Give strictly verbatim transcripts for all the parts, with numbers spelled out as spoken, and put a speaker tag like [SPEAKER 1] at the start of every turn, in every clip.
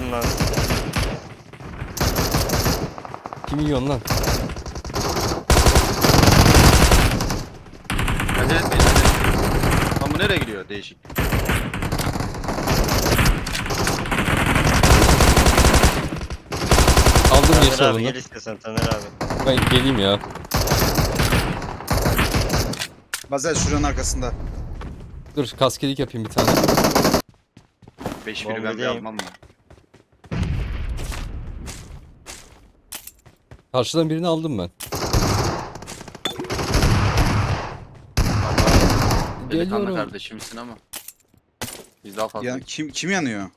[SPEAKER 1] Yedim lan.
[SPEAKER 2] Kim yiyorsun lan?
[SPEAKER 3] Acele etmeyin. Hadi. Lan bu nereye gidiyor? Değişik.
[SPEAKER 2] Aldım
[SPEAKER 1] Taner
[SPEAKER 2] geçti
[SPEAKER 1] abi
[SPEAKER 2] onu.
[SPEAKER 1] gel istiyorsan Taner abi.
[SPEAKER 2] Ben geleyim ya.
[SPEAKER 4] Bazel şuranın arkasında.
[SPEAKER 2] Dur kaskelik yapayım bir tane.
[SPEAKER 3] beş biri ben bir
[SPEAKER 1] Bombadayım.
[SPEAKER 3] almam mı?
[SPEAKER 2] Karşıdan birini aldım ben.
[SPEAKER 3] Delikanlı
[SPEAKER 2] Geliyorum.
[SPEAKER 3] kardeşimsin ama. Biz daha fazla.
[SPEAKER 4] Ya, kim kim yanıyor?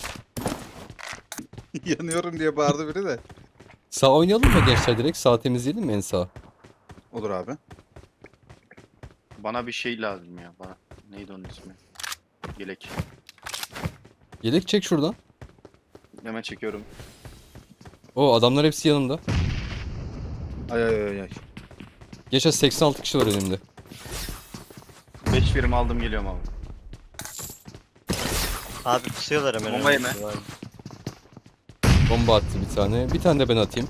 [SPEAKER 4] Yanıyorum diye bağırdı biri de.
[SPEAKER 2] Sağ oynayalım mı gençler direkt? Sağ temizleyelim mi en sağ?
[SPEAKER 4] Olur abi.
[SPEAKER 3] Bana bir şey lazım ya. Bana. Neydi onun ismi? Yelek.
[SPEAKER 2] Yelek çek şuradan.
[SPEAKER 3] Hemen çekiyorum.
[SPEAKER 2] O adamlar hepsi yanımda.
[SPEAKER 4] Ay ay ay ay.
[SPEAKER 2] Geçen seksen altı kişi var önümde.
[SPEAKER 3] beş birim aldım geliyorum abi.
[SPEAKER 1] Abi pusuyorlar hemen.
[SPEAKER 3] Bomba yeme.
[SPEAKER 1] önümüzde.
[SPEAKER 2] Bomba attı bir tane. Bir tane de ben atayım.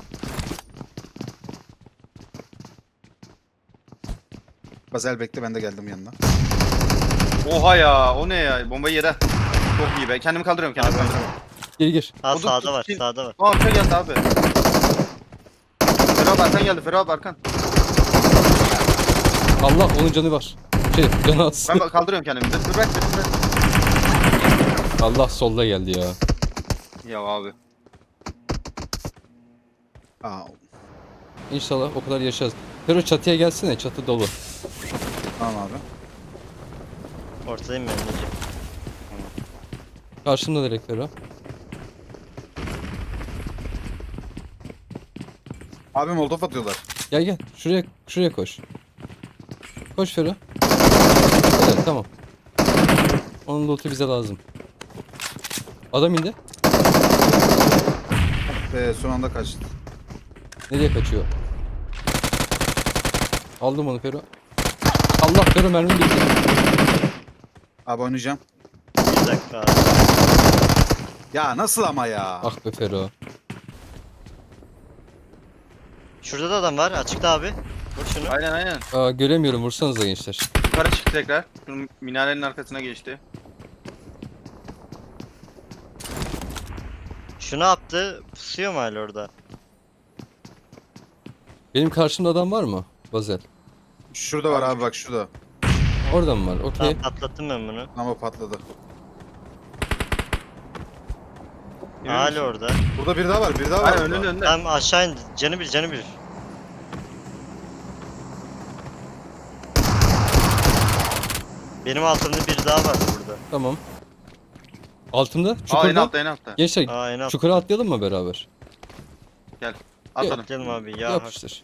[SPEAKER 4] Bazel bekle, ben de geldim yanına.
[SPEAKER 3] Oha ya, o ne ya? Bombayı yere. Çok iyi be. Kendimi kaldırıyorum, kendimi
[SPEAKER 1] Abi.
[SPEAKER 3] kaldırıyorum.
[SPEAKER 2] Gir gir.
[SPEAKER 1] Ha
[SPEAKER 3] O da
[SPEAKER 1] sağda
[SPEAKER 3] tut-
[SPEAKER 1] var
[SPEAKER 3] tut-
[SPEAKER 1] sağda var.
[SPEAKER 3] Aa, arka geldi abi. Ferhat abi arkan geldi, Ferhat abi arkan.
[SPEAKER 2] Allah onun canı var. Şey canı az.
[SPEAKER 3] Ben bak- kaldırıyorum kendimi. Dur, dur bırak, dur, bırak.
[SPEAKER 2] Allah solda geldi ya.
[SPEAKER 3] Ya abi.
[SPEAKER 4] Aa,
[SPEAKER 2] İnşallah o kadar yaşarız. Fero çatıya gelsene, çatı dolu.
[SPEAKER 4] tamam abi.
[SPEAKER 1] Ortadayım ben Necip.
[SPEAKER 2] Karşımda direkt Fero.
[SPEAKER 4] Abi molotof atıyorlar.
[SPEAKER 2] Gel gel şuraya şuraya koş. Koş Fero. Evet tamam. Onun loot'u bize lazım. Adam indi.
[SPEAKER 4] Ve son anda kaçtı.
[SPEAKER 2] Nereye kaçıyor? Aldım onu Fero. Allah Fero mermi bitti.
[SPEAKER 4] Abi oynayacağım.
[SPEAKER 1] Bir dakika abi.
[SPEAKER 4] Ya nasıl ama ya?
[SPEAKER 2] Ah be Fero.
[SPEAKER 1] Şurada da adam var açıkta abi. Vur şunu.
[SPEAKER 3] Aynen aynen.
[SPEAKER 2] Aa, göremiyorum, vursanıza gençler.
[SPEAKER 3] Yukarı çıktı tekrar. Şunun minarenin arkasına geçti.
[SPEAKER 1] Şu ne yaptı? Pusuyor mu hala orada?
[SPEAKER 2] Benim karşımda adam var mı? Bazel.
[SPEAKER 4] Şurada var abi, bak şurada.
[SPEAKER 2] Orada mı var? Okey.
[SPEAKER 1] Tamam patlattım ben bunu.
[SPEAKER 4] Ama patladı.
[SPEAKER 3] Emin
[SPEAKER 1] Hala
[SPEAKER 3] misin?
[SPEAKER 1] orada.
[SPEAKER 4] Burada biri daha var, biri daha var.
[SPEAKER 3] Aynen
[SPEAKER 4] burada.
[SPEAKER 3] önünde önünde.
[SPEAKER 1] Tamam aşağı indi. Canı bir canı bir. Benim altımda bir daha var burada.
[SPEAKER 2] Tamam. Altımda.
[SPEAKER 3] Aa en
[SPEAKER 2] Çukurda.
[SPEAKER 3] altta en altta.
[SPEAKER 2] Gençler
[SPEAKER 1] Aa en alt.
[SPEAKER 2] çukura atlayalım mı beraber?
[SPEAKER 3] Atladım.
[SPEAKER 1] Gelin abi ya.
[SPEAKER 2] Yapıştır.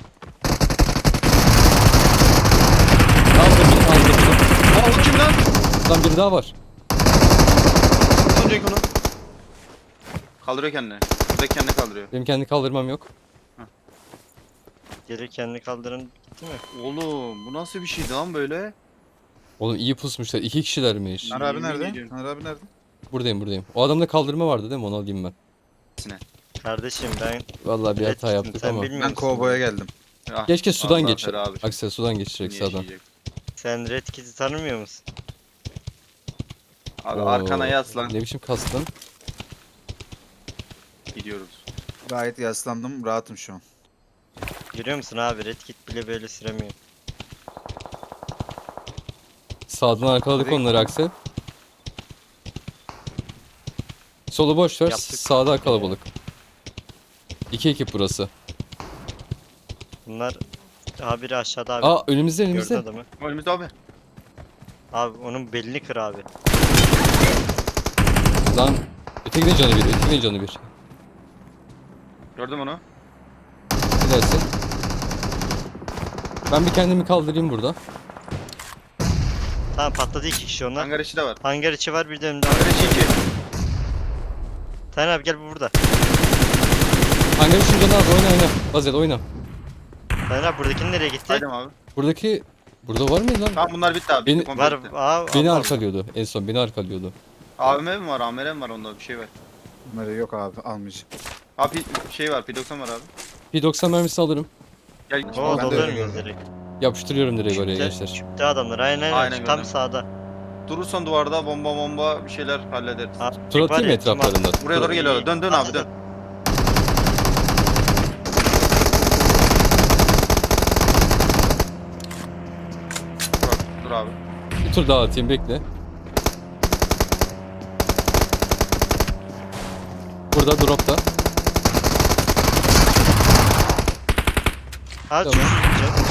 [SPEAKER 2] Aldım bir, aldım bir.
[SPEAKER 3] Aa o kim lan?
[SPEAKER 2] Lan biri daha var.
[SPEAKER 3] Önceki onu. Kaldırıyor kendini. Buradaki kendini kaldırıyor.
[SPEAKER 2] Benim kendi kaldırmam yok.
[SPEAKER 1] Geri kendini kaldırın gitti mi?
[SPEAKER 3] Oğlum bu nasıl bir şeydi lan böyle?
[SPEAKER 2] Oğlum iyi pusmuşlar. İki kişilermiş.
[SPEAKER 4] Taner abi
[SPEAKER 3] Yemin
[SPEAKER 4] nerede?
[SPEAKER 3] ediyorum.
[SPEAKER 4] Taner abi nerede?
[SPEAKER 2] Buradayım buradayım. O adamda kaldırma vardı değil mi? Onu alayım ben.
[SPEAKER 1] Kardeşim ben
[SPEAKER 2] Vallahi bir
[SPEAKER 1] Red
[SPEAKER 2] hata
[SPEAKER 1] Kit'im,
[SPEAKER 2] yaptık
[SPEAKER 1] sen
[SPEAKER 2] ama.
[SPEAKER 1] bilmiyor
[SPEAKER 4] Ben
[SPEAKER 1] musun?
[SPEAKER 4] kovboya geldim.
[SPEAKER 3] Ah,
[SPEAKER 2] Keşke sudan
[SPEAKER 3] Allah
[SPEAKER 2] geçer.
[SPEAKER 3] Ferhat abi.
[SPEAKER 2] Aksel sudan geçecek
[SPEAKER 3] Niye
[SPEAKER 2] sağdan.
[SPEAKER 3] yaşayacak?
[SPEAKER 1] Sen Red Kit'i tanımıyor musun?
[SPEAKER 3] Abi
[SPEAKER 2] Oo,
[SPEAKER 3] arkana yaslan.
[SPEAKER 2] Ne biçim kastın?
[SPEAKER 3] Gidiyoruz.
[SPEAKER 4] Gayet yaslandım, rahatım şu an.
[SPEAKER 1] Görüyor musun abi Red Kit bile böyle süremiyor.
[SPEAKER 2] Sağdan arkaladık
[SPEAKER 4] Direkt-
[SPEAKER 2] onları Aksel. Solu boş ver.
[SPEAKER 1] Yaptık.
[SPEAKER 2] Sağda kalabalık. İki ekip burası.
[SPEAKER 1] Bunlar abi biri aşağıda abi.
[SPEAKER 2] Aa önümüzde
[SPEAKER 1] Gördün
[SPEAKER 2] önümüzde.
[SPEAKER 1] adamı.
[SPEAKER 3] Önümüzde abi.
[SPEAKER 1] Abi onun belini kır abi.
[SPEAKER 2] Lan ötekinin canı bir, ötekinin canı bir.
[SPEAKER 3] Gördüm onu.
[SPEAKER 2] Ne dersin? Ben bir kendimi kaldırayım burada.
[SPEAKER 1] Tamam patladı iki kişi onlar.
[SPEAKER 3] Hangar içi de var.
[SPEAKER 1] Hangar içi var bir de önümde.
[SPEAKER 3] Hangar içi iki.
[SPEAKER 1] Taner abi gel bu burada.
[SPEAKER 2] Hangi üçün canı az, oyna oyna. Bazel oyna.
[SPEAKER 1] Taner abi buradakinin nereye gitti?
[SPEAKER 3] Haydi abi.
[SPEAKER 2] Buradaki... Burada var mıydı lan?
[SPEAKER 3] Tamam bunlar bitti abi.
[SPEAKER 2] Beni-
[SPEAKER 3] Bitti, komple
[SPEAKER 1] Var
[SPEAKER 3] bitti.
[SPEAKER 1] aa,
[SPEAKER 2] Beni
[SPEAKER 1] Allah
[SPEAKER 2] arkalıyordu. En son beni arkalıyordu.
[SPEAKER 3] A V M mi var? A M R mi var onda bir şey var.
[SPEAKER 4] Bunları yok abi almayacağım.
[SPEAKER 3] Abi şey var, P doksan var abi.
[SPEAKER 2] P doksan mermisi alırım.
[SPEAKER 3] Gel.
[SPEAKER 1] Oo
[SPEAKER 4] Ben de
[SPEAKER 1] doluyor
[SPEAKER 4] öyle
[SPEAKER 1] muyuz
[SPEAKER 4] gördüm.
[SPEAKER 1] direkt?
[SPEAKER 2] Yapıştırıyorum direkt oraya
[SPEAKER 1] Küpte,
[SPEAKER 2] gençler.
[SPEAKER 1] küpte adamlar. Aynen aynen.
[SPEAKER 3] Aynen
[SPEAKER 1] Tam
[SPEAKER 3] gördüm.
[SPEAKER 1] sağda.
[SPEAKER 3] Durursan duvarda bomba bomba bir şeyler hallederiz.
[SPEAKER 1] Abi,
[SPEAKER 2] Tur
[SPEAKER 1] var
[SPEAKER 2] atayım mı
[SPEAKER 1] ya, kim
[SPEAKER 2] etraflarından?
[SPEAKER 3] Buraya doğru geliyorlar. Dön dön
[SPEAKER 1] At,
[SPEAKER 3] abi dön.
[SPEAKER 1] at.
[SPEAKER 3] Dur, abi, dur abi.
[SPEAKER 2] Bir tur daha atayım bekle. Burada dropta.
[SPEAKER 1] Abi
[SPEAKER 2] Tamam.
[SPEAKER 1] çok güzel.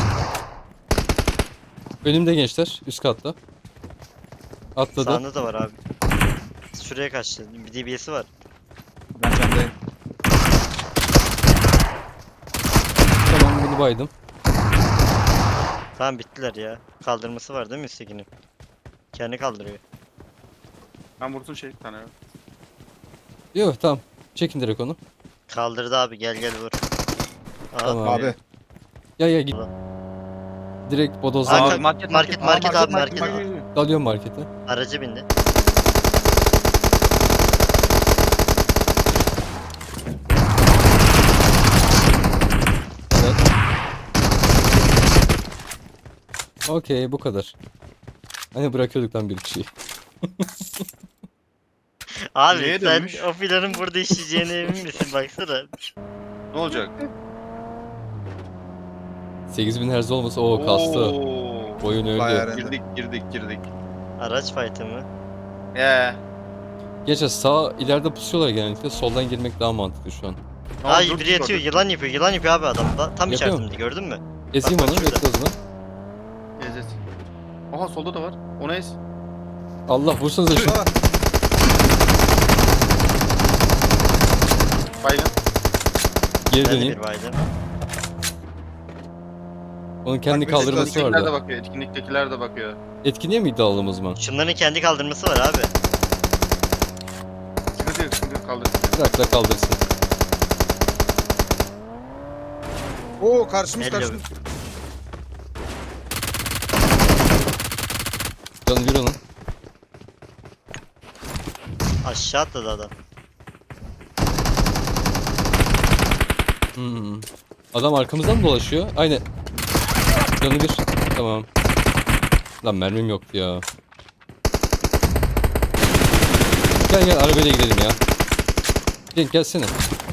[SPEAKER 2] Önümde gençler üst katta. Atladı.
[SPEAKER 1] Sağında da var abi. Şuraya kaçtı. Bir D B S'i var.
[SPEAKER 4] Ben camdayım.
[SPEAKER 2] Tamam bunu baydım.
[SPEAKER 1] Tamam bittiler ya. Kaldırması var değil mi üsttekinin? Kendi kaldırıyor.
[SPEAKER 3] Ben vursun şey bir tane.
[SPEAKER 2] Yok tamam. Çekin direkt onu.
[SPEAKER 1] Kaldırdı abi, gel gel vur. Aa,
[SPEAKER 2] Tamam.
[SPEAKER 4] Abi.
[SPEAKER 2] Ya ya git.
[SPEAKER 1] Allah.
[SPEAKER 2] Direkt
[SPEAKER 1] Aa,
[SPEAKER 2] bodozdan
[SPEAKER 1] ka-
[SPEAKER 2] gel.
[SPEAKER 1] market, market, market abi, market.
[SPEAKER 2] Dalıyorum markete.
[SPEAKER 1] Aracı bindi.
[SPEAKER 2] Evet. Okey bu kadar. Hani bırakıyorduk lan bir kişiyi.
[SPEAKER 1] Abi
[SPEAKER 3] Neye
[SPEAKER 1] sen
[SPEAKER 3] dönmüş?
[SPEAKER 1] o planın burada işleyeceğine emin misin? Baksana.
[SPEAKER 3] Ne olacak?
[SPEAKER 2] sekiz bin hertz olmasa o kastı.
[SPEAKER 3] Oo.
[SPEAKER 2] Oyun
[SPEAKER 4] Bayağı
[SPEAKER 2] öldü.
[SPEAKER 4] rende.
[SPEAKER 3] Girdik girdik girdik.
[SPEAKER 1] Araç fight'ı mı?
[SPEAKER 3] Ee.
[SPEAKER 2] Geçe sağ ileride pusuyorlar genellikle. Soldan girmek daha mantıklı şu an.
[SPEAKER 3] Tamam,
[SPEAKER 1] Ay
[SPEAKER 3] dur,
[SPEAKER 1] biri
[SPEAKER 3] dur,
[SPEAKER 1] yatıyor,
[SPEAKER 3] dur.
[SPEAKER 1] yılan yapıyor, yılan yapıyor abi adam. Da, tam
[SPEAKER 2] Yapıyor mu?
[SPEAKER 1] içerisinde gördün mü?
[SPEAKER 2] Ezeyim
[SPEAKER 1] Bak, bak
[SPEAKER 2] onu
[SPEAKER 1] şurada.
[SPEAKER 2] bekle o zaman.
[SPEAKER 3] Ez ez. Aha solda da var. O ne ez?
[SPEAKER 2] Allah vursanıza şu.
[SPEAKER 4] Şurada var.
[SPEAKER 3] Baygın.
[SPEAKER 2] Geri
[SPEAKER 1] Ben de
[SPEAKER 2] döneyim.
[SPEAKER 1] bir baydım.
[SPEAKER 2] Onun kendi
[SPEAKER 4] Bak, birisi
[SPEAKER 2] kaldırması
[SPEAKER 3] Etkinlikler de
[SPEAKER 2] vardı.
[SPEAKER 3] bakıyor. Etkinliktekiler de bakıyor.
[SPEAKER 2] Etkinliğe mi iddialım o zaman?
[SPEAKER 1] Şunların kendi kaldırması var abi.
[SPEAKER 3] Sıkıntı yok sıkıntı yok kaldır.
[SPEAKER 2] Bırak da kaldırsın.
[SPEAKER 4] Oo karşımız
[SPEAKER 1] Elle
[SPEAKER 4] karşımız.
[SPEAKER 2] Canı bir onun.
[SPEAKER 1] Aşağı atladı adam.
[SPEAKER 2] Hmm. Adam arkamızdan mı dolaşıyor? Aynen. Canı bir. Tamam. Lan mermim yoktu ya. Gel gel arabayla gidelim ya. Cenk gelsene.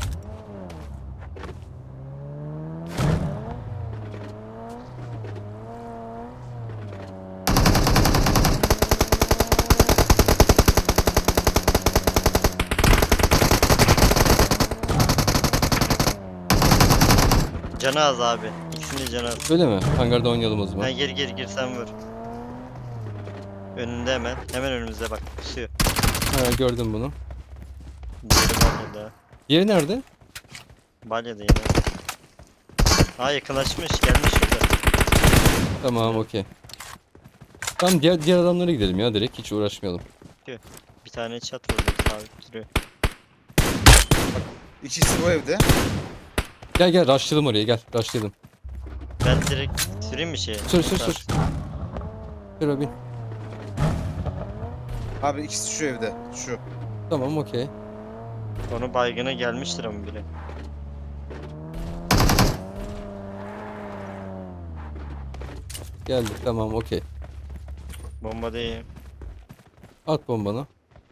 [SPEAKER 1] Canı az abi. İkisinin de canı az.
[SPEAKER 2] Öyle mi? Hangarda oynayalım o zaman.
[SPEAKER 1] Ha, gir gir gir sen vur. Önünde hemen. Hemen önümüzde bak. Pusuyor.
[SPEAKER 2] Ha, gördüm bunu.
[SPEAKER 1] Diğeri balyada.
[SPEAKER 2] Yeri nerede?
[SPEAKER 1] Balyada yine. Aa yakınlaşmış. Gelmiş şurada.
[SPEAKER 2] Tamam okey. Tamam diğer, diğer adamlara gidelim ya direkt hiç uğraşmayalım.
[SPEAKER 1] Bir tane çat vurdu. Sabit duruyor.
[SPEAKER 4] İkisi bu evde.
[SPEAKER 2] Gel gel rushlayalım oraya gel rushlayalım.
[SPEAKER 1] Ben direkt süreyim mi şeye?
[SPEAKER 2] Sür sür sür. Sür abi.
[SPEAKER 4] Abi ikisi şu evde. Şu.
[SPEAKER 2] Tamam okey.
[SPEAKER 1] Onu baygına gelmiştir ama bile.
[SPEAKER 2] Geldik tamam okey.
[SPEAKER 1] Bomba değil.
[SPEAKER 2] At bombanı.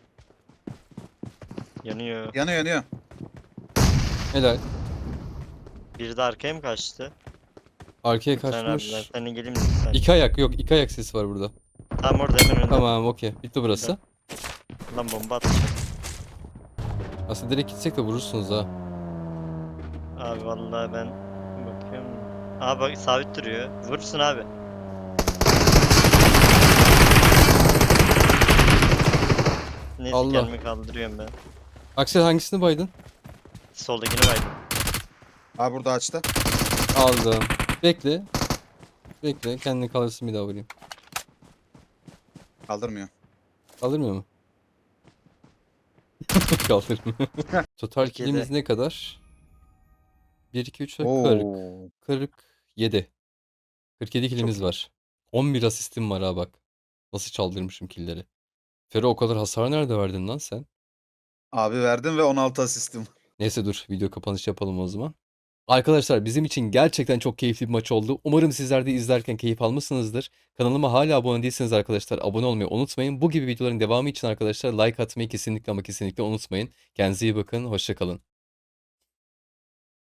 [SPEAKER 1] Yanıyor.
[SPEAKER 4] Yanıyor yanıyor.
[SPEAKER 2] Helal.
[SPEAKER 1] Biri de arkaya mı kaçtı?
[SPEAKER 2] Arkaya
[SPEAKER 1] Sen abi ben
[SPEAKER 2] kaçmış.
[SPEAKER 1] seninle geleyim mi? Sen.
[SPEAKER 2] İki ayak yok iki ayak sesi var burada.
[SPEAKER 1] Tam orada hemen önünde.
[SPEAKER 2] Tamam okey. Bitti burası.
[SPEAKER 1] Lan bomba atacak.
[SPEAKER 2] Aslında direkt gitsek de vurursunuz ha.
[SPEAKER 1] Abi vallahi ben bakıyorum. Abi bak sabit duruyor. Vurursun abi. Neyse
[SPEAKER 2] Allah.
[SPEAKER 1] kendimi kaldırıyorum ben.
[SPEAKER 2] Aksel hangisini baydın?
[SPEAKER 1] Soldakini baydım.
[SPEAKER 4] Abi burada açtı.
[SPEAKER 2] Aldım. Bekle. Bekle kendini kalırsın bir daha vurayım.
[SPEAKER 4] Kaldırmıyor.
[SPEAKER 2] Kaldırmıyor mu? Kaldırmıyor. Total
[SPEAKER 1] kırk yedi.
[SPEAKER 2] killimiz ne kadar? bir, iki, üç, kırk.
[SPEAKER 4] Oo.
[SPEAKER 2] kırk yedi. kırk yedi killimiz var. on bir asistim var ha bak. Nasıl çaldırmışım killleri. Fero o kadar hasar nerede verdin lan sen?
[SPEAKER 4] Abi verdim ve on altı asistim.
[SPEAKER 2] Neyse dur video kapanış yapalım o zaman. Arkadaşlar bizim için gerçekten çok keyifli bir maç oldu. Umarım sizler de izlerken keyif almışsınızdır. Kanalıma hala abone değilseniz arkadaşlar abone olmayı unutmayın. Bu gibi videoların devamı için arkadaşlar like atmayı kesinlikle ama kesinlikle unutmayın. Kendinize iyi bakın. Hoşça kalın.